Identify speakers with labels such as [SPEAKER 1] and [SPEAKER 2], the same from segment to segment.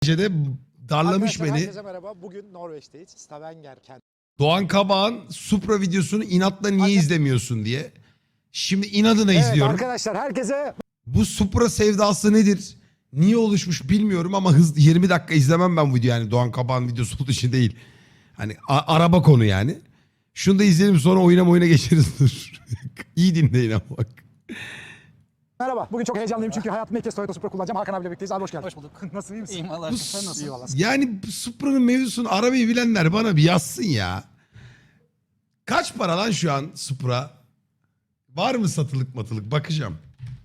[SPEAKER 1] de darlamış
[SPEAKER 2] Arkadaşlar,
[SPEAKER 1] beni.
[SPEAKER 2] herkese merhaba. Bugün Norveç'teyiz. Stavanger kent.
[SPEAKER 1] Doğan Kabağ'ın Supra videosunu inatla niye
[SPEAKER 2] Anne-
[SPEAKER 1] izlemiyorsun diye. Şimdi inadına
[SPEAKER 2] Evet
[SPEAKER 1] izliyorum.
[SPEAKER 2] arkadaşlar, herkese
[SPEAKER 1] Bu Supra sevdası nedir? Niye oluşmuş bilmiyorum ama 20 dakika izlemem ben bu videoyu. Yani Doğan Kabağ'ın videosu olduğu için değil. Hani araba konu yani. Şunu da izleyelim, sonra oyuna geçeriz. Dur. İyi dinleyin ama bak.
[SPEAKER 2] merhaba. Bugün çok heyecanlıyım çünkü hayatımda ilk kez Toyota Supra kullanacağım. Hakan abiyle birlikteyiz. Abi hoş geldin.
[SPEAKER 3] Hoş bulduk.
[SPEAKER 2] Nasılsın, iyi misin?
[SPEAKER 3] İyiyim Allah aşkına. Sen nasılsın?
[SPEAKER 2] İyi valla.
[SPEAKER 1] Yani bu Supra'nın mevzusunu, arabayı bilenler bana bir yazsın ya. Kaç para lan şu an Supra? Var mı satılık matılık? Bakacağım.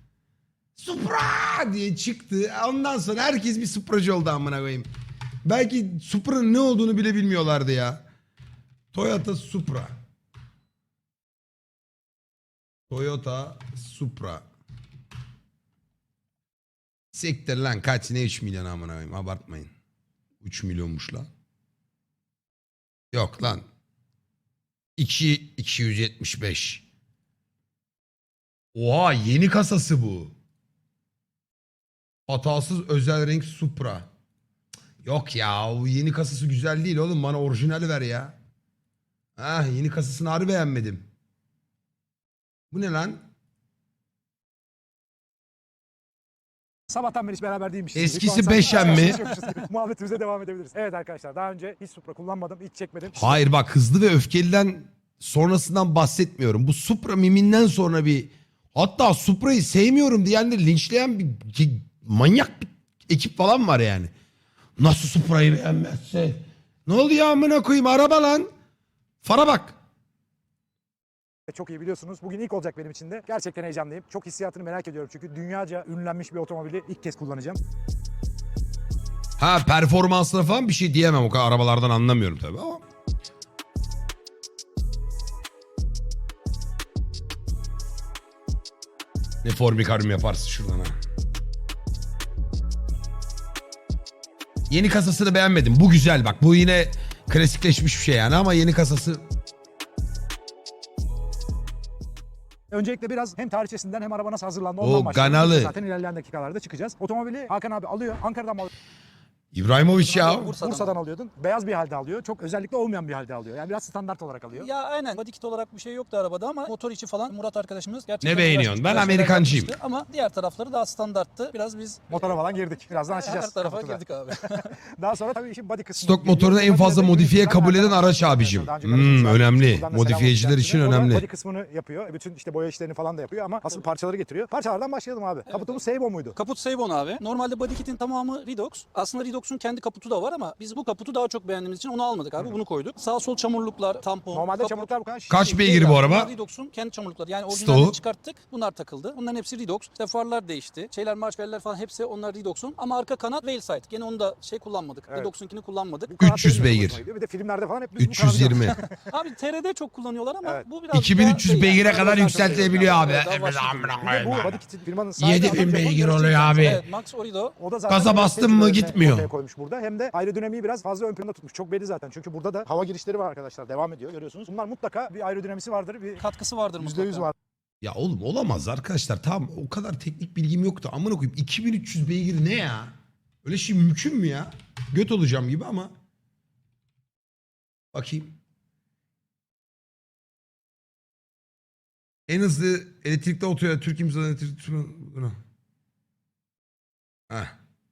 [SPEAKER 1] Supra diye çıktı. Ondan sonra herkes bir Supracı oldu amına koyayım. Belki Supra'nın ne olduğunu bile bilmiyorlardı ya. Toyota Supra. Toyota Supra. Siktir lan, kaç ne 3 milyon amına koyayım, abartmayın. 3 milyonmuş lan. Yok lan. 275. Oha, yeni kasası bu. Hatasız özel renk Supra. Yok ya, o yeni kasası güzel değil oğlum, bana orijinali ver ya. Ah, yeni kasasını harbi beğenmedim. Bu ne lan?
[SPEAKER 2] Sabahtan beri hiç beraber değilmişiz.
[SPEAKER 1] Eskisi
[SPEAKER 2] Şu an
[SPEAKER 1] Beşen
[SPEAKER 2] sanki-
[SPEAKER 1] mi?
[SPEAKER 2] Muhabbetimize devam edebiliriz. Evet arkadaşlar, daha önce hiç Supra kullanmadım, hiç çekmedim.
[SPEAKER 1] Hayır bak, Hızlı ve Öfkeli'den sonrasından bahsetmiyorum. Bu Supra miminden sonra bir, hatta Supra'yı sevmiyorum diyenleri linçleyen bir manyak bir ekip falan var yani. Nasıl Supra'yı beğenmezse? Ne oluyor amına koyayım, araba lan. Fara bak.
[SPEAKER 2] Çok iyi biliyorsunuz. Bugün ilk olacak benim için de. Gerçekten heyecanlıyım. Çok hissiyatını merak ediyorum çünkü dünyaca ünlenmiş bir otomobili ilk kez kullanacağım.
[SPEAKER 1] Ha, performansına falan bir şey diyemem, o kadar arabalardan anlamıyorum tabii ama. Ne formikaryum yaparsın şuradan ha. Yeni kasasını beğenmedim. Bu güzel bak. Bu yine klasikleşmiş bir şey yani ama yeni kasası...
[SPEAKER 2] Öncelikle biraz hem tarihçesinden hem araba nasıl hazırlandı
[SPEAKER 1] O
[SPEAKER 2] ondan başlayalım.
[SPEAKER 1] Ganalı.
[SPEAKER 2] Zaten ilerleyen dakikalarda çıkacağız. Otomobili Hakan abi alıyor. Ankara'dan mı alıyor?
[SPEAKER 1] İbrahimovic ya.
[SPEAKER 2] Bursa'dan alıyordun. Beyaz bir halde alıyor. Çok özellikle olmayan bir halde alıyor. Yani biraz standart olarak alıyor.
[SPEAKER 3] Ya aynen. Body kit olarak bir şey yoktu arabada ama motor içi falan Murat arkadaşımız gerçekten
[SPEAKER 1] Ne beğeniyorsun? Ben
[SPEAKER 3] güzel şeyler
[SPEAKER 1] Amerikancıyım.
[SPEAKER 3] yapmıştı. Ama diğer tarafları daha standarttı. Biraz biz
[SPEAKER 2] Motora falan girdik. Birazdan açacağız.
[SPEAKER 3] her tarafa
[SPEAKER 2] kaputu da.
[SPEAKER 3] girdik abi.
[SPEAKER 2] Daha sonra tabii işin body kısmı.
[SPEAKER 1] Stok motorunu en fazla modifiye kabul eden araç abicim. Önemli. Modifiyeciler için önemli.
[SPEAKER 2] Body kısmını yapıyor. Bütün işte boya işlerini falan da yapıyor ama asıl parçaları getiriyor. Parçalardan başlayalım abi. Kaputumuz Seybo muydu?
[SPEAKER 3] Kaput Seibon abi. Normalde body kit'in tamamı Redox. Aslında Redox'un kendi kaputu da var ama biz bu kaputu daha çok beğendiğimiz için onu almadık abi. Bunu koyduk. Sağ sol çamurluklar, tampon,
[SPEAKER 2] Normalde
[SPEAKER 3] kaput.
[SPEAKER 2] çamurluklar bu kadar
[SPEAKER 1] Kaç
[SPEAKER 2] şişik
[SPEAKER 1] beygir
[SPEAKER 2] değil
[SPEAKER 1] bu
[SPEAKER 2] abi.
[SPEAKER 1] araba?
[SPEAKER 3] Bunlar Redox'un kendi çamurlukları. Yani
[SPEAKER 1] Stoğu.
[SPEAKER 3] orijinalini çıkarttık. Bunlar takıldı. Bunların hepsi Redox. İşte farlar değişti. Şeyler, marşveller falan hepsi onlar Redox'un. Ama arka kanat Wheelside. Gene onu da kullanmadık.
[SPEAKER 2] Evet.
[SPEAKER 3] Redox'unkini kullanmadık.
[SPEAKER 2] Bu kanat
[SPEAKER 1] 300
[SPEAKER 2] benim de
[SPEAKER 1] beygir.
[SPEAKER 2] hoşuma gidiyor. Bir de filmlerde falan hep biz bu kanadı
[SPEAKER 1] 320.
[SPEAKER 3] Abi TR'de çok kullanıyorlar ama
[SPEAKER 2] Evet.
[SPEAKER 3] bu biraz
[SPEAKER 1] 2300
[SPEAKER 3] daha
[SPEAKER 1] beygire
[SPEAKER 3] yani,
[SPEAKER 1] kadar
[SPEAKER 3] daha
[SPEAKER 1] yükseltilebiliyor
[SPEAKER 3] çok
[SPEAKER 1] abi.
[SPEAKER 3] daha
[SPEAKER 1] Evet,
[SPEAKER 3] başka
[SPEAKER 1] amına
[SPEAKER 3] bir-
[SPEAKER 2] Bir de bu
[SPEAKER 1] koyayım.
[SPEAKER 2] body kit'in firmanın sahibi
[SPEAKER 1] 7000
[SPEAKER 2] adam
[SPEAKER 1] beygir
[SPEAKER 2] Japon
[SPEAKER 1] oluyor
[SPEAKER 2] gerçekten.
[SPEAKER 1] abi.
[SPEAKER 3] Evet, Max Orido.
[SPEAKER 2] O da zaten
[SPEAKER 1] Gaza
[SPEAKER 2] biraz
[SPEAKER 1] bastın mı
[SPEAKER 2] tecrübelerini
[SPEAKER 1] gitmiyor.
[SPEAKER 2] ortaya koymuş burada. Hem de aerodinamiği biraz fazla ön planda tutmuş. Çok belli zaten. Çünkü burada da hava girişleri var arkadaşlar. Devam ediyor, görüyorsunuz. Bunlar mutlaka bir aerodinamisi vardır. Bir
[SPEAKER 3] Katkısı vardır
[SPEAKER 2] %100
[SPEAKER 3] mutlaka.
[SPEAKER 2] var.
[SPEAKER 1] Ya oğlum olamaz arkadaşlar. Tamam, o kadar teknik bilgim yoktu. Amına koyayım, 2300 beygir ne ya? Öyle şey mümkün mü ya? Göt olacağım gibi ama. Bakayım. En hızlı elektrikli otoya Türk imzalı elektrikli... Bunu. Heh.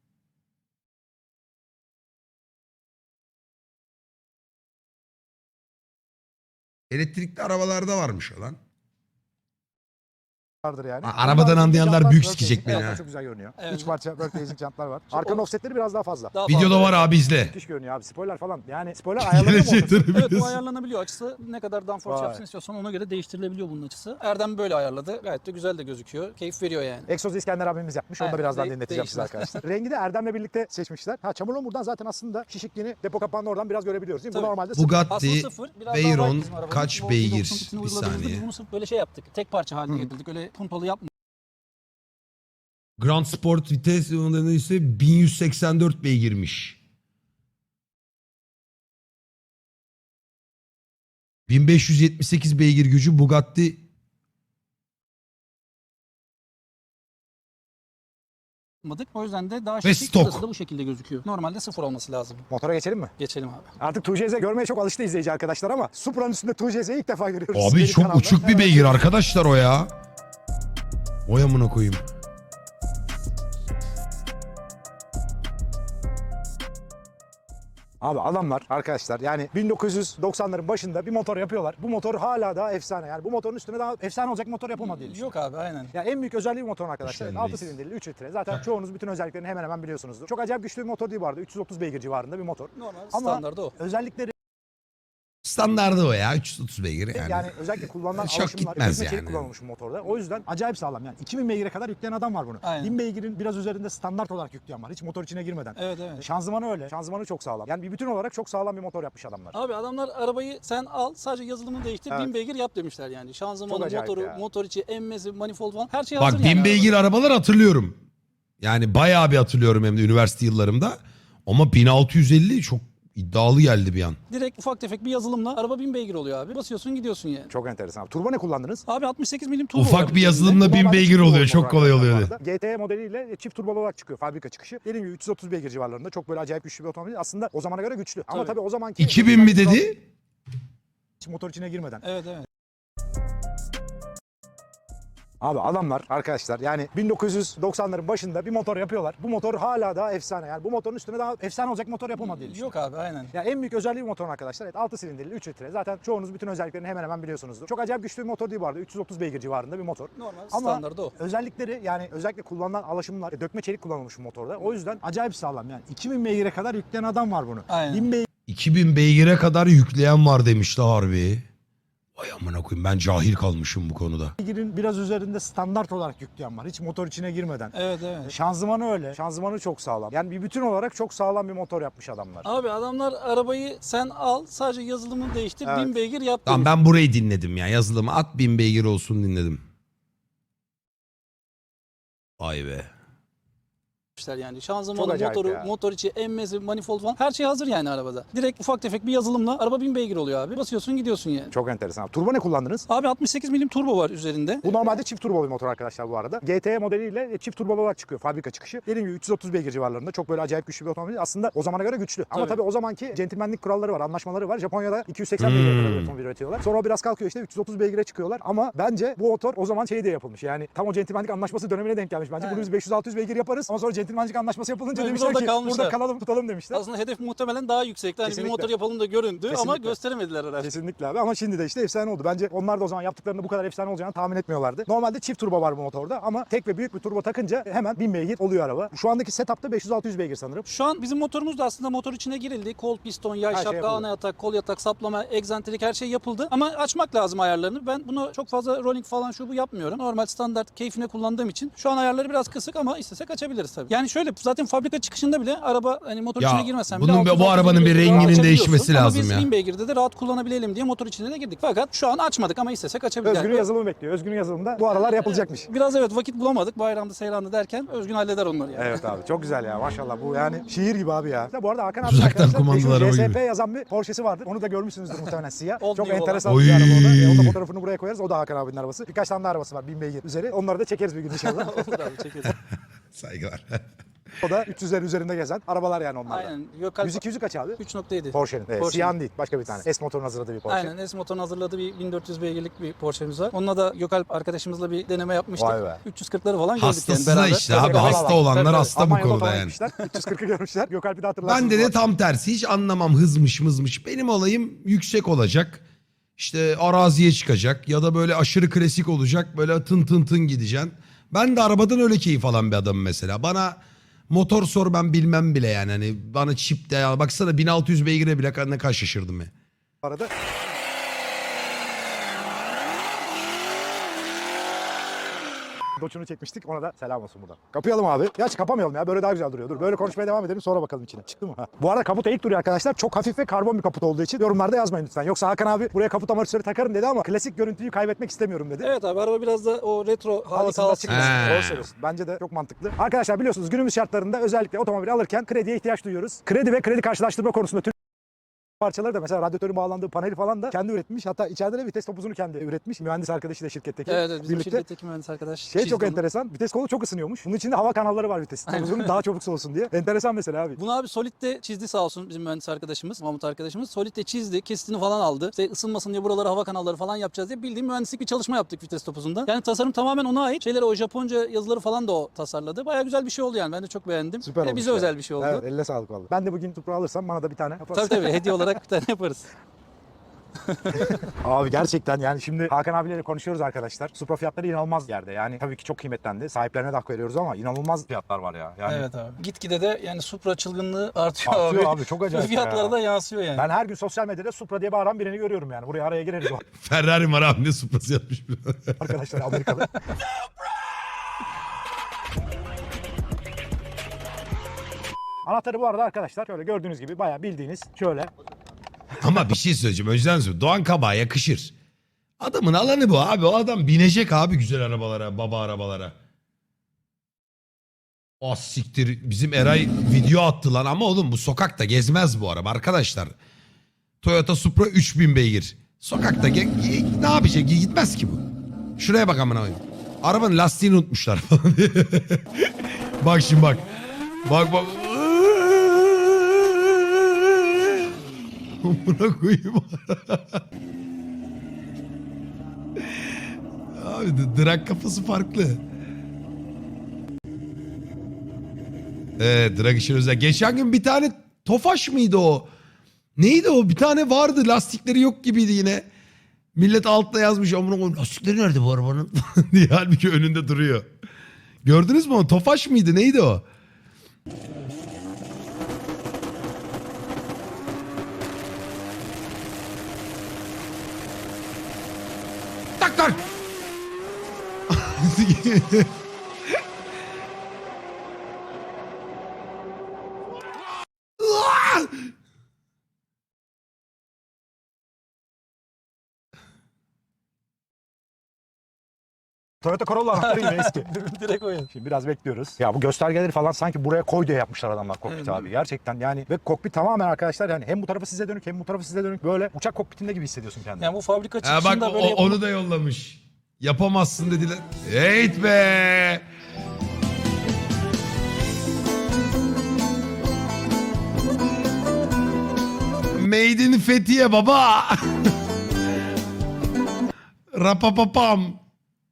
[SPEAKER 1] Elektrikli arabalarda varmış o lan.
[SPEAKER 2] Vardır yani.
[SPEAKER 1] Arabadan
[SPEAKER 2] Bunlar
[SPEAKER 1] anlayanlar
[SPEAKER 2] jantlar
[SPEAKER 1] büyük
[SPEAKER 2] work
[SPEAKER 1] sikecek
[SPEAKER 2] racing.
[SPEAKER 1] beni
[SPEAKER 2] Evet,
[SPEAKER 1] ha.
[SPEAKER 2] çok güzel görünüyor.
[SPEAKER 3] Evet.
[SPEAKER 2] 3 parça work racing jantlar var.
[SPEAKER 3] Şu
[SPEAKER 2] Arkanın
[SPEAKER 3] o-
[SPEAKER 2] offsetleri biraz daha fazla.
[SPEAKER 3] Daha
[SPEAKER 1] Videoda
[SPEAKER 3] fazla.
[SPEAKER 1] var abi, izle.
[SPEAKER 2] Müthiş görünüyor abi. Spoiler falan. Yani spoiler ayarlanıyor mu?
[SPEAKER 1] Gelecek
[SPEAKER 2] ortası?
[SPEAKER 3] Evet, bu ayarlanabiliyor. Açısı ne kadar downforce
[SPEAKER 2] Vay.
[SPEAKER 3] yapsın istiyorsan ona göre değiştirilebiliyor bunun açısı. Erdem böyle ayarladı. Gayet de güzel de gözüküyor. Keyif veriyor yani.
[SPEAKER 2] Egzozu İskender abimiz yapmış. Onu da
[SPEAKER 3] Evet,
[SPEAKER 2] birazdan dinleteceğim size
[SPEAKER 3] değişmez.
[SPEAKER 2] arkadaşlar. Rengi de Erdem'le birlikte seçmişler. Ha, çamurluğun buradan zaten aslında şişikliğini, depo kapağını oradan biraz görebiliyoruz değil mi? Bu
[SPEAKER 3] Tabii.
[SPEAKER 2] normalde sıfır.
[SPEAKER 3] Aslında
[SPEAKER 1] Bugatti
[SPEAKER 3] sıfır. Biraz daha
[SPEAKER 1] Veyron
[SPEAKER 3] light bizim arabamız.
[SPEAKER 1] kaç
[SPEAKER 3] Bu
[SPEAKER 1] beygir?
[SPEAKER 3] 90 kitini
[SPEAKER 1] Bir
[SPEAKER 3] uyguladığımızda
[SPEAKER 1] saniye.
[SPEAKER 3] Biz bunu sırf böyle şey yaptık. Tek parça haline getirdik. Öyle puntalı yapmadık.
[SPEAKER 1] Grand Sport vites olanı ise 1184 beygirmiş. 1578 beygir gücü Bugatti
[SPEAKER 3] yapmadık. O yüzden de daha
[SPEAKER 1] Ve
[SPEAKER 3] şekil
[SPEAKER 1] stok.
[SPEAKER 3] şurası da bu şekilde gözüküyor. Normalde 0 olması lazım.
[SPEAKER 2] Motora geçelim mi?
[SPEAKER 3] Geçelim abi.
[SPEAKER 2] Artık 2JZ görmeye çok alıştı izleyici arkadaşlar ama Supra'nın üstünde 2JZ'yi ilk defa görüyoruz.
[SPEAKER 1] Abi
[SPEAKER 2] Benim
[SPEAKER 1] çok
[SPEAKER 2] kanalda.
[SPEAKER 1] uçuk bir beygir arkadaşlar o ya. Oy amına koyayım.
[SPEAKER 2] Abi adamlar arkadaşlar yani 1990'ların başında bir motor yapıyorlar. Bu motor hala daha efsane. Yani bu motorun üstüne daha efsane olacak motor yapılmadı diye düşünüyorum.
[SPEAKER 3] Yok abi aynen.
[SPEAKER 2] Ya en büyük özelliği bu motorun arkadaşlar.
[SPEAKER 1] Güçlenmeyiz.
[SPEAKER 2] 6 silindirli 3 litre. Zaten çoğunuz bütün özelliklerini hemen hemen biliyorsunuzdur. Çok acayip güçlü bir motor değil bu arada. 330 beygir civarında bir motor.
[SPEAKER 3] Normal
[SPEAKER 2] Ama
[SPEAKER 3] standardı o.
[SPEAKER 2] özellikleri
[SPEAKER 1] Standardı o ya 330 beygir yani.
[SPEAKER 2] yani özellikle kullanılan
[SPEAKER 1] Çok
[SPEAKER 2] alışımlar,
[SPEAKER 1] gitmez
[SPEAKER 2] dökme çelik
[SPEAKER 1] yani.
[SPEAKER 2] kullanılmış bu motorda. O yüzden acayip sağlam yani. 2000 beygire kadar yükleyen adam var bunu.
[SPEAKER 3] Aynen.
[SPEAKER 2] 1000 beygirin biraz üzerinde standart olarak yükleyen var. Hiç motor içine girmeden.
[SPEAKER 3] Evet evet.
[SPEAKER 2] Şanzımanı öyle. Şanzımanı çok sağlam. Yani bir bütün olarak çok sağlam bir motor yapmış adamlar.
[SPEAKER 3] Abi adamlar arabayı sen al sadece yazılımını değiştir
[SPEAKER 2] Evet.
[SPEAKER 3] 1000 beygir yap demişler yani.
[SPEAKER 2] Çok
[SPEAKER 3] Şanzımanı,
[SPEAKER 2] acayip
[SPEAKER 3] motoru,
[SPEAKER 2] ya.
[SPEAKER 3] motor içi, emmesi, manifold falan her şey hazır
[SPEAKER 1] Bak
[SPEAKER 3] yani.
[SPEAKER 1] 1000 beygir arabalar hatırlıyorum. Yani bayağı bir hatırlıyorum hem de üniversite yıllarımda. Ama 1650 çok iddialı geldi bir an.
[SPEAKER 3] Direkt ufak tefek bir yazılımla araba 1000 beygir oluyor abi. Basıyorsun gidiyorsun yani.
[SPEAKER 2] Çok enteresan. Turbo ne kullandınız?
[SPEAKER 3] Abi 68 milim turbo var
[SPEAKER 1] Ufak bir
[SPEAKER 3] üzerinde.
[SPEAKER 1] yazılımla 1000
[SPEAKER 2] Normalde
[SPEAKER 1] beygir
[SPEAKER 2] çift
[SPEAKER 1] oluyor.
[SPEAKER 2] turbo
[SPEAKER 1] Çok kolay
[SPEAKER 2] motor
[SPEAKER 1] oluyor.
[SPEAKER 2] bu arada. GT modeliyle çift turbolu olarak çıkıyor fabrika çıkışı. Dediğim gibi 330 beygir civarlarında çok böyle acayip güçlü bir otomobil. Aslında o zamana göre güçlü. Ama
[SPEAKER 3] Tabii.
[SPEAKER 2] tabii o zamanki
[SPEAKER 1] 2000 mi dedi?
[SPEAKER 2] hiç motor içine girmeden.
[SPEAKER 3] Evet evet.
[SPEAKER 2] Abi adamlar arkadaşlar yani 1990'ların başında bir motor yapıyorlar. Bu motor hala daha efsane. Yani bu motorun üstüne daha efsane olacak motor yapılmadı diye düşünüyorum.
[SPEAKER 3] Yok abi aynen.
[SPEAKER 2] Ya en büyük özelliği bu motorun arkadaşlar. Evet, 6 silindirli 3 litre. Zaten çoğunuz bütün özelliklerini hemen hemen biliyorsunuzdur. Çok acayip güçlü bir motor değil bu arada. 330 beygir civarında bir motor.
[SPEAKER 3] Normal
[SPEAKER 2] Ama
[SPEAKER 3] standardı o.
[SPEAKER 2] özellikleri yani özellikle kullanılan alaşımlar, dökme çelik kullanılmış bu motorda. O yüzden acayip sağlam yani. 2000 beygire kadar yükleyen adam var bunu.
[SPEAKER 3] Aynen.
[SPEAKER 2] 1000
[SPEAKER 1] 2000 beygire kadar yükleyen var demişti harbi. Vay amına koyayım ben cahil kalmışım bu konuda.
[SPEAKER 2] beygirin biraz üzerinde standart olarak yükleyen var. Hiç motor içine girmeden.
[SPEAKER 3] Evet evet.
[SPEAKER 2] Şanzımanı öyle. Şanzımanı çok sağlam. Yani bir bütün olarak çok sağlam bir motor yapmış adamlar.
[SPEAKER 3] Abi adamlar arabayı sen al sadece yazılımını değiştir
[SPEAKER 2] Evet.
[SPEAKER 3] 1000 beygir yap
[SPEAKER 1] Tamam
[SPEAKER 3] demiş.
[SPEAKER 1] ben burayı dinledim ya. Yazılımı at 1000 beygir olsun dinledim. Vay be.
[SPEAKER 3] Yani
[SPEAKER 2] Çok
[SPEAKER 3] şanzımanı,
[SPEAKER 2] acayip
[SPEAKER 3] motoru,
[SPEAKER 2] ya.
[SPEAKER 3] motor içi, emmesi, manifold falan her şey hazır yani arabada. Direkt ufak tefek bir yazılımla araba 1000 beygir oluyor abi. Basıyorsun gidiyorsun yani.
[SPEAKER 2] Çok enteresan. Turbo ne kullandınız?
[SPEAKER 3] Abi 68 milim turbo var üzerinde.
[SPEAKER 2] Bu normalde çift turbo bir motor arkadaşlar bu arada. GT modeliyle çift turbo olarak çıkıyor fabrika çıkışı. Dediğim gibi 330 beygir civarlarında çok böyle acayip güçlü bir otomobil. Aslında o zamana göre güçlü. Ama
[SPEAKER 3] Tabii.
[SPEAKER 2] tabii o zamanki centilmenlik kuralları var, anlaşmaları var. Japonya'da 280 beygire kadar bir otomobil üretiyorlar. Sonra o biraz kalkıyor işte 330 beygire çıkıyorlar. Ama bence bu motor o zaman şey diye yapılmış. Yani tam o centilmenlik anlaşması dönemine denk gelmiş. Bence bunu biz 500-600 beygir yaparız. Ama sonra centilmenlik anlaşması yapılınca
[SPEAKER 3] Mecbur
[SPEAKER 2] demişler
[SPEAKER 3] orada
[SPEAKER 2] ki
[SPEAKER 3] kalmışlar.
[SPEAKER 2] burada kalalım tutalım demişler.
[SPEAKER 3] Aslında hedef muhtemelen daha yüksekti. Hani bir
[SPEAKER 2] Kesinlikle.
[SPEAKER 3] motor yapalım da göründü ama
[SPEAKER 2] Kesinlikle.
[SPEAKER 3] gösteremediler herhalde.
[SPEAKER 2] Kesinlikle abi ama şimdi de işte efsane oldu. Bence onlar da o zaman yaptıklarında bu kadar efsane olacağını tahmin etmiyorlardı. Normalde çift turbo var bu motorda ama tek ve büyük bir turbo takınca hemen 1000 beygir oluyor araba. Şu andaki setup'ta 500-600 beygir sanırım.
[SPEAKER 3] Şu an bizim motorumuz da aslında motor içine girildi. Kol piston, yay
[SPEAKER 2] Her şey
[SPEAKER 3] şapka,
[SPEAKER 2] yapıldı.
[SPEAKER 3] ana yatak, kol yatak, saplama, egzantrik her şey yapıldı. Ama açmak lazım ayarlarını. Ben bunu çok fazla rolling falan şu bu yapmıyorum. Normal standart keyfine kullandığım için. Şu an ayarları biraz kısık ama istesek açabiliriz tabii. Yani şöyle zaten fabrika çıkışında bile araba hani motor
[SPEAKER 1] Ya,
[SPEAKER 3] içine girmesen
[SPEAKER 1] bunun
[SPEAKER 3] bile
[SPEAKER 1] bu
[SPEAKER 3] 600-600
[SPEAKER 1] arabanın bir
[SPEAKER 3] beygir
[SPEAKER 1] renginin
[SPEAKER 3] rahat açabiliyorsun.
[SPEAKER 1] değişmesi
[SPEAKER 3] Ama
[SPEAKER 1] lazım
[SPEAKER 3] biz
[SPEAKER 1] ya.
[SPEAKER 3] 1000 beygirde de rahat kullanabilelim diye motor içine de girdik. Fakat şu an açmadık ama istesek açabiliriz.
[SPEAKER 2] Özgün'ün yazılımı bekliyor. Özgün'ün yazılımında bu aralar yapılacakmış.
[SPEAKER 3] Biraz evet vakit bulamadık. Bayramda, seyrandı derken Özgün halleder onları yani.
[SPEAKER 2] Evet abi çok güzel ya maşallah bu yani şiir gibi abi ya. Bu arada Hakan abi
[SPEAKER 1] Uzaktan
[SPEAKER 2] arkadaşlar
[SPEAKER 1] kumandalı
[SPEAKER 2] meşhur
[SPEAKER 1] araba
[SPEAKER 2] JSP
[SPEAKER 1] gibi.
[SPEAKER 2] yazan bir Porsche'si vardır. Onu da görmüşsünüzdür muhtemelen siyah.
[SPEAKER 3] Old
[SPEAKER 2] Çok
[SPEAKER 3] New
[SPEAKER 2] enteresan
[SPEAKER 1] olan.
[SPEAKER 2] bir araba o da.
[SPEAKER 1] Oy.
[SPEAKER 2] Onun da fotoğrafını buraya koyarız. O da Hakan abinin arabası. Birkaç tane de arabası var 1000 beygir üzeri. Onları da çekeriz bir gün inşallah.
[SPEAKER 3] Olur abi çekeriz.
[SPEAKER 1] Saygılar.
[SPEAKER 2] O da 300'lerin üzerinde gezen arabalar yani onlar da.
[SPEAKER 3] Aynen. Gökalp
[SPEAKER 2] 100-200'ü kaç abi?
[SPEAKER 3] 3.7.
[SPEAKER 2] Porsche'nin.
[SPEAKER 3] Porsche'nin.
[SPEAKER 2] Siyah değil başka bir tane. S motorun hazırladığı bir Porsche.
[SPEAKER 3] Aynen S-Motor'un hazırladığı bir 1400 beygirlik bir Porsche'miz var. Onunla da Gökalp arkadaşımızla bir deneme yapmıştık.
[SPEAKER 2] Vay be.
[SPEAKER 3] 340'ları falan gördük
[SPEAKER 1] Hastası
[SPEAKER 3] yani
[SPEAKER 1] da
[SPEAKER 3] beraber.
[SPEAKER 1] işte abi
[SPEAKER 3] Tabii,
[SPEAKER 1] hasta
[SPEAKER 3] tabii.
[SPEAKER 1] olanlar
[SPEAKER 3] Tabii,
[SPEAKER 1] hasta bu
[SPEAKER 2] Almanya'da
[SPEAKER 1] konuda
[SPEAKER 2] falan
[SPEAKER 1] yani.
[SPEAKER 2] gitmişler. 340'ı görmüşler. Gökalp'i de hatırlarsınız.
[SPEAKER 1] Ben de
[SPEAKER 2] bu
[SPEAKER 1] tam tersi hiç anlamam hızmış mızmış. Benim olayım yüksek olacak. İşte araziye çıkacak ya da böyle aşırı klasik olacak. Böyle tın tın tın gideceksin. Ben de arabadan öyle keyif alan bir adamım mesela. Bana motor sor ben bilmem bile yani. Hani bana çip de ya. Baksana 1600 beygire bile ne kadar şaşırdım ya.
[SPEAKER 2] arada. Doçunu çekmiştik ona da selam olsun buradan. Kapayalım abi. Gerçi kapamayalım ya böyle daha güzel duruyor. Dur böyle konuşmaya devam edelim sonra bakalım içine. Çıktı mı? Ha. Bu arada kaput eğik duruyor arkadaşlar. Çok hafif ve karbon bir kaput olduğu için yorumlarda yazmayın lütfen. Yoksa Hakan abi buraya kaput amortisörü takarım dedi ama klasik görüntüyü kaybetmek istemiyorum dedi.
[SPEAKER 3] Evet abi araba biraz da o retro hali
[SPEAKER 2] Havasında
[SPEAKER 3] kalsın.
[SPEAKER 2] çıkmasın.
[SPEAKER 1] He.
[SPEAKER 2] Doğru söylüyorsun. Bence de çok mantıklı. Arkadaşlar biliyorsunuz günümüz şartlarında özellikle otomobil alırken krediye ihtiyaç duyuyoruz. Kredi ve kredi karşılaştırma konusunda parçaları da mesela radyatörün bağlandığı paneli falan da kendi üretmiş. Hatta içeride de vites topuzunu kendi üretmiş. Mühendis arkadaşı da şirketteki.
[SPEAKER 3] Evet, bizim
[SPEAKER 2] birlikte.
[SPEAKER 3] şirketteki mühendis arkadaş.
[SPEAKER 2] Şey
[SPEAKER 3] çizdi
[SPEAKER 2] çok
[SPEAKER 3] onu.
[SPEAKER 2] enteresan. Vites kolu çok ısınıyormuş. Bunun içinde hava kanalları var vites topuzunun daha çabuk soğusun diye. Enteresan mesela abi.
[SPEAKER 3] Bunu abi Solid'de çizdi sağ olsun bizim mühendis arkadaşımız, Mahmut arkadaşımız. Solid'de çizdi, kesitini falan aldı. İşte ısınmasın diye buralara hava kanalları falan yapacağız diye bildiğin mühendislik bir çalışma yaptık vites topuzunda. Yani tasarım tamamen ona ait. Şeyleri o Japonca yazıları falan da o tasarladı. Bayağı güzel bir şey oldu yani. Ben de çok beğendim.
[SPEAKER 2] Süper
[SPEAKER 3] Ve
[SPEAKER 2] olmuş
[SPEAKER 3] bize
[SPEAKER 2] ya.
[SPEAKER 3] özel bir şey oldu.
[SPEAKER 2] Evet, eline sağlık vallahi. Ben de bugün Supra alırsam bana da bir tane yaparsın.
[SPEAKER 3] Tabii hediye olarak bir tane yaparız.
[SPEAKER 2] Abi gerçekten yani şimdi Hakan abiyle konuşuyoruz arkadaşlar. Supra fiyatları inanılmaz yerde. Yani tabii ki çok kıymetlendi. Sahiplerine de hak veriyoruz ama inanılmaz fiyatlar var ya. Yani
[SPEAKER 3] Evet abi. Gitgide de yani Supra çılgınlığı artıyor,
[SPEAKER 2] artıyor
[SPEAKER 3] abi.
[SPEAKER 2] abi çok acayip
[SPEAKER 3] Fiyatlara
[SPEAKER 2] ya.
[SPEAKER 3] da yansıyor yani.
[SPEAKER 2] Ben her gün sosyal medyada Supra diye bağıran birini görüyorum yani. Buraya araya gireriz o
[SPEAKER 1] Ferrari var abi, ne Supra'sı yapmış.
[SPEAKER 2] arkadaşlar Amerikalı. Anahtarı bu arada arkadaşlar şöyle gördüğünüz gibi bayağı bildiğiniz şöyle.
[SPEAKER 1] Ama bir şey söyleyeceğim. Önceden söyleyeyim. Doğan Kabak'a yakışır. Adamın alanı bu abi. O adam binecek abi güzel arabalara, baba arabalara. Ah siktir. Bizim Eray video attı lan. Ama oğlum bu sokakta gezmez bu araba arkadaşlar. Toyota Supra 3000 beygir. Sokakta ne yapacak? Gitmez ki bu. Şuraya bak amına koyayım. Arabanın lastiğini unutmuşlar falan. Bak şimdi bak. Bak bak. Amına koyayım. Abi drag kafası farklı. Evet, drag işin özel. Geçen gün bir tane Tofaş mıydı o? Neydi o? Bir tane vardı, lastikleri yok gibiydi yine. Millet altta yazmış amına koyayım, lastikleri nerede bu arabanın diye, halbuki önünde duruyor. Gördünüz mü o? Tofaş mıydı? Neydi o? Tak tak.
[SPEAKER 2] Toyota Corolla anahtarı yine eski.
[SPEAKER 3] Direkt o yani.
[SPEAKER 2] Şimdi biraz bekliyoruz. Ya bu göstergeleri falan sanki buraya koy diye yapmışlar adamlar kokpit
[SPEAKER 3] Evet.
[SPEAKER 2] abi. Gerçekten yani ve kokpit tamamen arkadaşlar yani hem bu tarafı size dönük hem bu tarafı size dönük. Böyle uçak kokpitinde gibi hissediyorsun kendini.
[SPEAKER 3] Yani bu fabrika
[SPEAKER 1] Ha
[SPEAKER 3] çıkışında
[SPEAKER 1] bak
[SPEAKER 3] böyle yapılmış.
[SPEAKER 1] onu da yollamış. Yapamazsın dediler. Heyt be. Made in Fethiye baba. Rapapapam.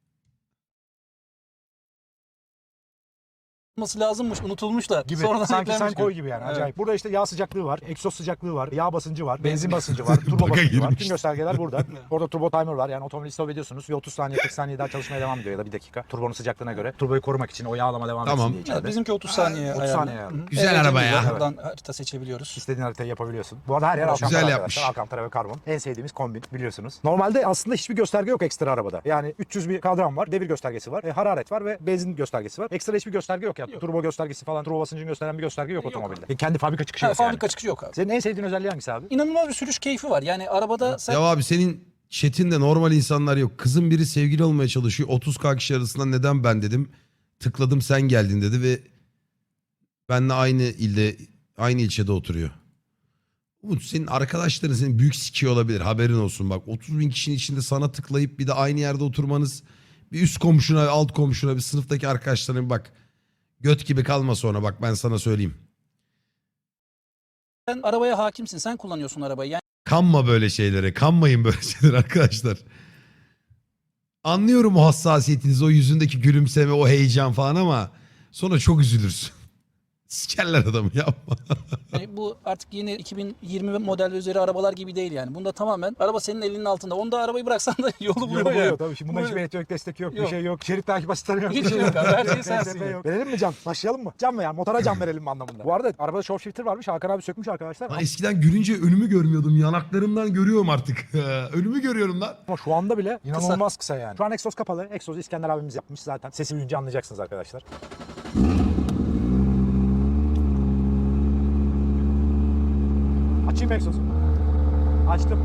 [SPEAKER 3] olması lazımmış, unutulmuşlar.
[SPEAKER 2] Gibi.
[SPEAKER 3] Sonradan
[SPEAKER 2] Sanki sen
[SPEAKER 3] eklenmiş
[SPEAKER 2] koy
[SPEAKER 3] gibi.
[SPEAKER 2] gibi yani.
[SPEAKER 3] Evet.
[SPEAKER 2] Acayip. Burada işte yağ sıcaklığı var, egzoz sıcaklığı var, yağ basıncı var, benzin basıncı var, turbo
[SPEAKER 1] Baga
[SPEAKER 2] basıncı var.
[SPEAKER 1] girmiş.
[SPEAKER 2] Tüm göstergeler burada. Orada turbo timer var. Yani otomobili stop ediyorsunuz. Bir 30 saniye 40 saniye daha çalışmaya devam ediyor ya da bir dakika. Turbonun sıcaklığına göre. Turboyu korumak için o yağlama devam
[SPEAKER 1] Tamam.
[SPEAKER 2] etsin diye içeride.
[SPEAKER 3] Evet, bizimki 30 saniye
[SPEAKER 2] 30
[SPEAKER 3] ayarlı.
[SPEAKER 2] saniye ayarlı.
[SPEAKER 3] Hı hı.
[SPEAKER 1] Güzel araba ya.
[SPEAKER 3] cebimizde Buradan harita seçebiliyoruz.
[SPEAKER 2] İstediğin haritayı yapabiliyorsun. Bu arada her yer
[SPEAKER 1] Güzel
[SPEAKER 2] Alcantara
[SPEAKER 1] yapmış.
[SPEAKER 2] arkadaşlar. Alcantara ve karbon. En sevdiğimiz kombin biliyorsunuz. Normalde aslında hiçbir gösterge yok ekstra arabada. Yani 300 bir kadran var, devir göstergesi var, hararet var ve benzin göstergesi var. Ekstra hiçbir gösterge yok yani. Turbo göstergesi falan, turbo basıncını gösteren bir gösterge yok otomobilde. Kendi fabrika çıkışı
[SPEAKER 3] Ha,
[SPEAKER 2] yok
[SPEAKER 3] fabrika
[SPEAKER 2] yani.
[SPEAKER 3] çıkışı yok abi.
[SPEAKER 2] Senin en sevdiğin özelliği hangisi abi?
[SPEAKER 3] İnanılmaz bir sürüş keyfi var. Yani arabada sen
[SPEAKER 1] Ya abi senin chatinde normal insanlar yok. Kızın biri sevgili olmaya çalışıyor. 30K kişi arasında neden ben dedim. Tıkladım sen geldin dedi ve benle aynı ilde, aynı ilçede oturuyor. Umut senin arkadaşların seni büyük sikiyor olabilir, haberin olsun bak. 30 bin kişinin içinde sana tıklayıp bir de aynı yerde oturmanız, bir üst komşuna, alt komşuna, bir sınıftaki arkadaşlarına bir bak. Göt gibi kalma sonra, bak ben sana söyleyeyim.
[SPEAKER 3] arabaya hakimsin. Sen kullanıyorsun arabayı. Yani
[SPEAKER 1] Kanma böyle şeylere. Kanmayın böyle şeylere arkadaşlar. Anlıyorum o hassasiyetinizi, o yüzündeki gülümseme, o heyecan falan ama sonra çok üzülürsün. Sikerler adamı, yapma.
[SPEAKER 3] bu artık yeni 2020 model ve üzeri arabalar gibi değil yani. Bunda tamamen araba senin elinin altında. Onda arabayı bıraksan da yolu buluyor
[SPEAKER 2] Yolu buluyor
[SPEAKER 3] yani.
[SPEAKER 2] tabii. Şimdi bunda hiçbir elektronik destek yok, bir
[SPEAKER 3] Yok.
[SPEAKER 2] şey yok. Şerit takip asistanı yok.
[SPEAKER 3] Hiç yok abi, her şey sensin
[SPEAKER 2] TSP
[SPEAKER 3] yani.
[SPEAKER 2] yok. Verelim mi can? Başlayalım mı? Can mı yani? Motora can verelim mi anlamında? Bu arada arabada show shifter varmış. Hakan abi sökmüş arkadaşlar.
[SPEAKER 1] Lan eskiden gülünce önümü görmüyordum. Yanaklarımdan görüyorum artık. Önümü görüyorum lan.
[SPEAKER 2] Ama şu anda bile inanılmaz kısa yani. Şu an egzoz kapalı. Egzozu İskender abimiz yapmış zaten. Sesi duyunca anlayacaksınız arkadaşlar. Açayım egzozu. Açtım.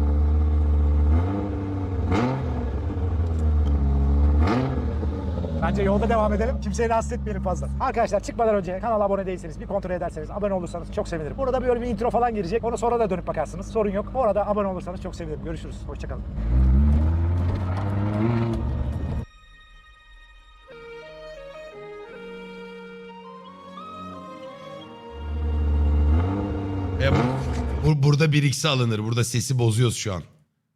[SPEAKER 2] Bence yolda devam edelim. Kimseyi rahatsız etmeyelim fazla. Arkadaşlar çıkmadan önce kanala abone değilseniz bir kontrol ederseniz, abone olursanız çok sevinirim. Burada böyle bir intro falan girecek. Onu sonra da dönüp bakarsınız. Sorun yok. Orada abone olursanız çok sevinirim. Görüşürüz. Hoşçakalın.
[SPEAKER 1] Burada 1x'e alınır. Burada sesi bozuyoruz şu an.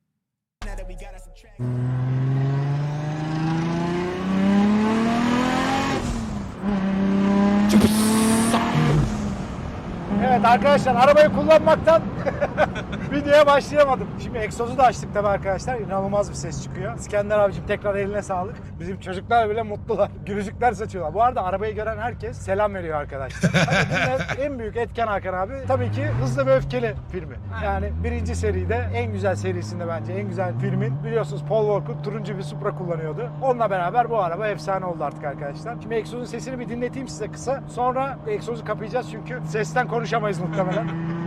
[SPEAKER 2] Evet arkadaşlar, arabayı kullanmaktan videoya başlayamadım. Şimdi egzozu da açtık tabii arkadaşlar. İnanılmaz bir ses çıkıyor. İskender abicim tekrar eline sağlık. Bizim çocuklar bile mutlular. Gülücükler saçıyorlar. Bu arada arabayı gören herkes selam veriyor arkadaşlar. Hani bunun en büyük etken Hakan abi tabii ki Hızlı ve Öfkeli filmi. Yani birinci seride, en güzel serisinde bence en güzel filmin, biliyorsunuz Paul Walker turuncu bir Supra kullanıyordu. Onunla beraber bu araba efsane oldu artık arkadaşlar. Şimdi egzozun sesini bir dinleteyim size kısa. Sonra egzozu kapayacağız çünkü sesten konuşamayız muhtemelen.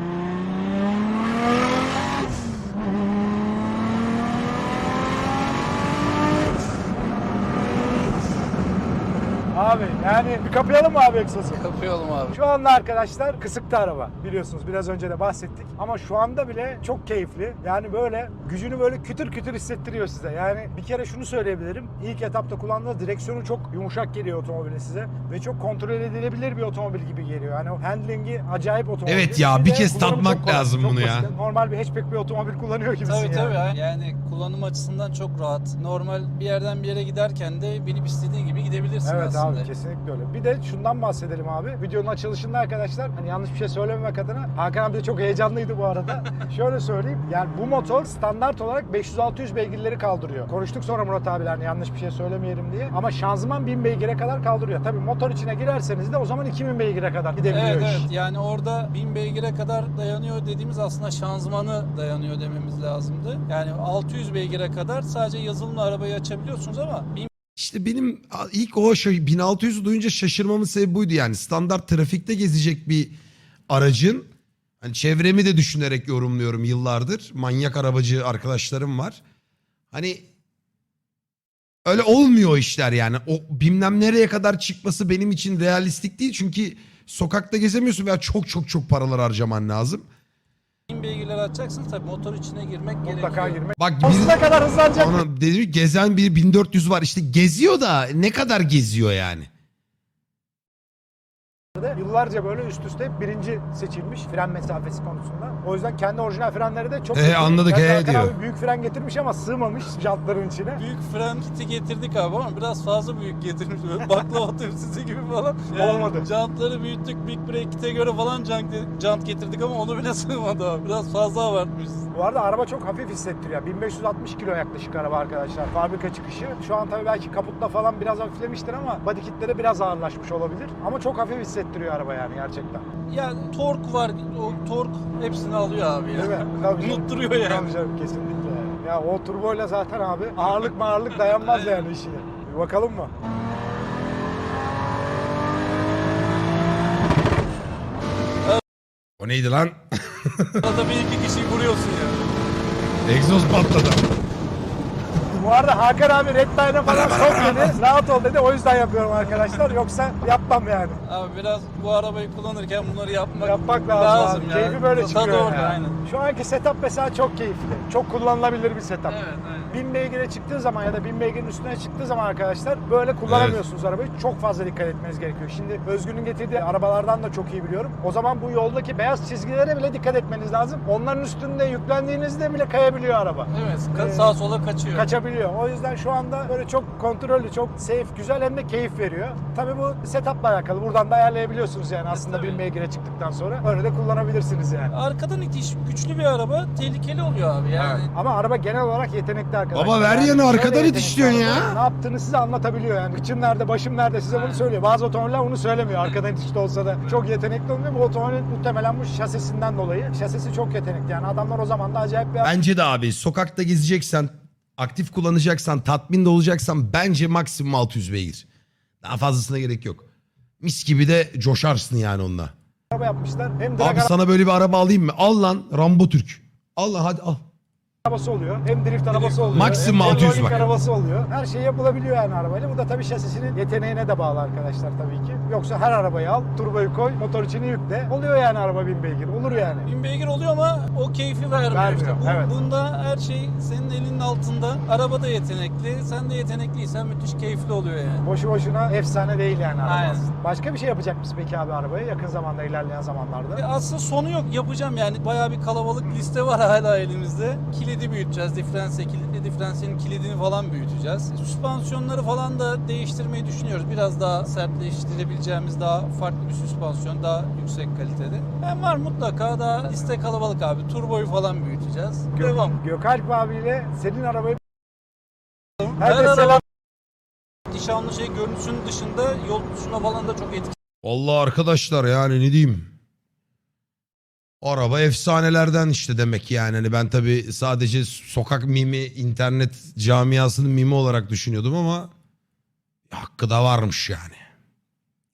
[SPEAKER 2] Abi yani bir kapayalım mı abi egzozu?
[SPEAKER 3] Kapayalım abi.
[SPEAKER 2] Şu anda arkadaşlar kısıkta araba. Biliyorsunuz biraz önce de bahsettik. Ama şu anda bile çok keyifli. Yani böyle gücünü böyle kütür kütür hissettiriyor size. Yani bir kere şunu söyleyebilirim. İlk etapta kullandığınız direksiyonu çok yumuşak geliyor otomobilin size. Ve çok kontrol edilebilir bir otomobil gibi geliyor. Yani o handlingi acayip otomobil.
[SPEAKER 1] Evet ya, bir
[SPEAKER 2] de
[SPEAKER 1] kez
[SPEAKER 2] kullanımı
[SPEAKER 1] tatmak
[SPEAKER 2] çok kolay,
[SPEAKER 1] lazım
[SPEAKER 2] çok
[SPEAKER 1] bunu ya.
[SPEAKER 2] basit. Normal bir hatchback bir otomobil kullanıyor gibisin
[SPEAKER 3] Tabii
[SPEAKER 2] yani.
[SPEAKER 3] tabii. Yani kullanım açısından çok rahat. Normal bir yerden bir yere giderken de binip istediğin gibi gidebilirsin
[SPEAKER 2] Evet
[SPEAKER 3] aslında.
[SPEAKER 2] abi, kesinlikle öyle. Bir de şundan bahsedelim abi. Videonun açılışında arkadaşlar, hani yanlış bir şey söylememek adına, Hakan abi de çok heyecanlıydı bu arada. Şöyle söyleyeyim. Yani bu motor standart olarak 500-600 beygirleri kaldırıyor. Konuştuk sonra Murat abiyle, hani yanlış bir şey söylemeyelim diye. Ama şanzıman 1000 beygire kadar kaldırıyor. Tabii motor içine girerseniz de o zaman 2000 beygire kadar gidebiliyor
[SPEAKER 3] Evet
[SPEAKER 2] iş.
[SPEAKER 3] evet, yani orada 1000 beygire kadar dayanıyor dediğimiz aslında şanzımanı dayanıyor dememiz lazımdı. Yani 600 beygire kadar sadece yazılımla arabayı açabiliyorsunuz ama 1000
[SPEAKER 1] İşte benim ilk o 1600'ü duyunca şaşırmamın sebebi buydu yani. Standart trafikte gezecek bir aracın, hani çevremi de düşünerek yorumluyorum yıllardır. Manyak arabacı arkadaşlarım var. Hani öyle olmuyor o işler yani. O bilmem nereye kadar çıkması benim için realistik değil. Çünkü sokakta gezemiyorsun veya çok çok çok paralar harcaman lazım.
[SPEAKER 3] beygirler açacaksınız tabii motor içine girmek
[SPEAKER 2] Mutlaka
[SPEAKER 3] gerekiyor.
[SPEAKER 2] girmek.
[SPEAKER 1] Bak
[SPEAKER 2] Sonsuza kadar hızlanacak.
[SPEAKER 1] ona dedim, gezen bir 1400 var. İşte geziyor da ne kadar geziyor yani?
[SPEAKER 2] Yıllarca böyle üst üste hep birinci seçilmiş fren mesafesi konusunda. O yüzden kendi orijinal frenleri de çok
[SPEAKER 1] anladık,
[SPEAKER 2] Gerçi
[SPEAKER 1] he
[SPEAKER 2] Hakan
[SPEAKER 1] diyor.
[SPEAKER 2] abi büyük fren getirmiş ama sığmamış jantların içine.
[SPEAKER 3] Büyük fren kiti getirdik abi ama biraz fazla büyük getirmiş. Böyle baklava tepsisi gibi falan.
[SPEAKER 2] Olmadı.
[SPEAKER 3] Jantları büyüttük. Big Break kite göre falan jant getirdik ama onu bile sığmadı abi. Biraz fazla abartmışız.
[SPEAKER 2] Bu arada araba çok hafif hissettiriyor. 1560 kilo yaklaşık araba arkadaşlar. Fabrika çıkışı. Şu an tabii belki kaputta falan biraz hafiflemiştir ama body kitleri biraz ağırlaşmış olabilir. Ama çok hafif hissettiriyor araba yani gerçekten.
[SPEAKER 3] Ya tork var. O tork hepsini alıyor abi ya.
[SPEAKER 2] Değil mi? Tabii canım.
[SPEAKER 3] Unutturuyor yani.
[SPEAKER 2] Tabii canım, kesinlikle. Ya o turboyla zaten abi ağırlık dayanmaz yani işine. Bir bakalım mı?
[SPEAKER 1] O neydi lan?
[SPEAKER 3] Arada bir iki kişiyi vuruyorsun ya.
[SPEAKER 1] Egzoz patladı.
[SPEAKER 2] Bu arada Hakan abi Red Line'a falan çok dedi. Rahat ol dedi. O yüzden yapıyorum arkadaşlar. Yoksa yapmam yani.
[SPEAKER 3] Abi biraz bu arabayı kullanırken bunları
[SPEAKER 2] Yapmak lazım abi.
[SPEAKER 3] ya.
[SPEAKER 2] Keyfi böyle
[SPEAKER 3] Tadı
[SPEAKER 2] çıkıyor
[SPEAKER 3] orada,
[SPEAKER 2] yani.
[SPEAKER 3] aynen.
[SPEAKER 2] Şu anki setup mesela çok keyifli. Çok kullanılabilir bir setup.
[SPEAKER 3] Evet, aynen.
[SPEAKER 2] 1000 beygire çıktığı zaman ya da 1000 beygirin üstüne çıktığı zaman arkadaşlar böyle kullanamıyorsunuz arabayı. Çok fazla dikkat etmeniz gerekiyor. Şimdi Özgür'ün getirdiği arabalardan da çok iyi biliyorum. O zaman bu yoldaki beyaz çizgilere bile dikkat etmeniz lazım. Onların üstünde yüklendiğinizde bile kayabiliyor araba.
[SPEAKER 3] Evet, sağa sola kaçıyor.
[SPEAKER 2] Kaçabiliyor. O yüzden şu anda böyle çok kontrollü, çok safe, güzel hem de keyif veriyor. Tabii bu setup'la alakalı. Buradan da ayarlayabiliyorsunuz yani aslında
[SPEAKER 3] tabii.
[SPEAKER 2] 1000 beygire çıktıktan sonra. Öyle de kullanabilirsiniz yani.
[SPEAKER 3] Arkadan itiş güçlü bir araba tehlikeli oluyor abi yani.
[SPEAKER 2] Ama araba genel olarak yetenekli arkadaşlar.
[SPEAKER 1] Baba ver yanı,
[SPEAKER 2] şöyle
[SPEAKER 1] arkadan
[SPEAKER 2] yetenekli
[SPEAKER 1] itişliyorsun ya.
[SPEAKER 2] araba. Ne yaptığını size anlatabiliyor yani. Kıçım nerede, başım nerede size bunu söylüyor. Bazı otomobiller bunu söylemiyor. Arkadan itişli olsa da çok yetenekli olmuyor. Bu otomobil muhtemelen bu şasisinden dolayı. Şasisi çok yetenekli yani. Adamlar o zaman da acayip bir...
[SPEAKER 1] Bence de abi sokakta gezeceksen, aktif kullanacaksan, tatmin olacaksan bence maksimum 600 beygir. Daha fazlasına gerek yok. Mis gibi de coşarsın yani onunla.
[SPEAKER 2] araba yapmışlar. Hem
[SPEAKER 1] Abi
[SPEAKER 2] drag
[SPEAKER 1] sana böyle bir araba alayım mı? Al lan Rambo Türk. Al lan hadi al.
[SPEAKER 2] arabası oluyor. Hem drift arabası oluyor.
[SPEAKER 1] Maksimum
[SPEAKER 2] hem
[SPEAKER 1] 600
[SPEAKER 2] rolling
[SPEAKER 1] bak.
[SPEAKER 2] arabası oluyor. Her şey yapılabiliyor yani arabayla. Bu da tabii şasisinin yeteneğine de bağlı arkadaşlar tabii ki. Yoksa her arabayı al, turboyu koy, motor içine yükle. Oluyor yani araba 1000 beygir. Olur yani.
[SPEAKER 3] 1000 beygir oluyor ama o keyfi vermiyor.
[SPEAKER 2] Vermiyor,
[SPEAKER 3] İşte.
[SPEAKER 2] evet.
[SPEAKER 3] Bunda her şey senin elinin altında. Araba da yetenekli, sen de yetenekliysen müthiş keyifli oluyor yani.
[SPEAKER 2] Boşu boşuna efsane değil yani araba.
[SPEAKER 3] Aynen.
[SPEAKER 2] aslında. Başka bir şey yapacak mısın peki abi arabaya yakın zamanda, ilerleyen zamanlarda?
[SPEAKER 3] Aslında sonu yok, yapacağım yani. Bayağı bir kalabalık liste var hala elimizde. Kilidi büyüteceğiz, diferansiyelin kilidini falan büyüteceğiz. Süspansiyonları falan da değiştirmeyi düşünüyoruz. Biraz daha sertleştirebileceğimiz daha farklı bir süspansiyon, daha yüksek kalitede. Hem var mutlaka daha liste kalabalık abi. Turboyu falan büyüteceğiz. Devam.
[SPEAKER 2] Gökalp abiyle senin arabayı
[SPEAKER 3] Her
[SPEAKER 2] herkes selam.
[SPEAKER 3] araba nişanlı şey görüntüsünün dışında yol tutuşuna falan da çok etkili.
[SPEAKER 1] Vallahi arkadaşlar yani ne diyeyim. Araba efsanelerden işte demek yani. Hani ben tabii sadece sokak mimi, internet camiasının mimi olarak düşünüyordum ama hakkı da varmış yani.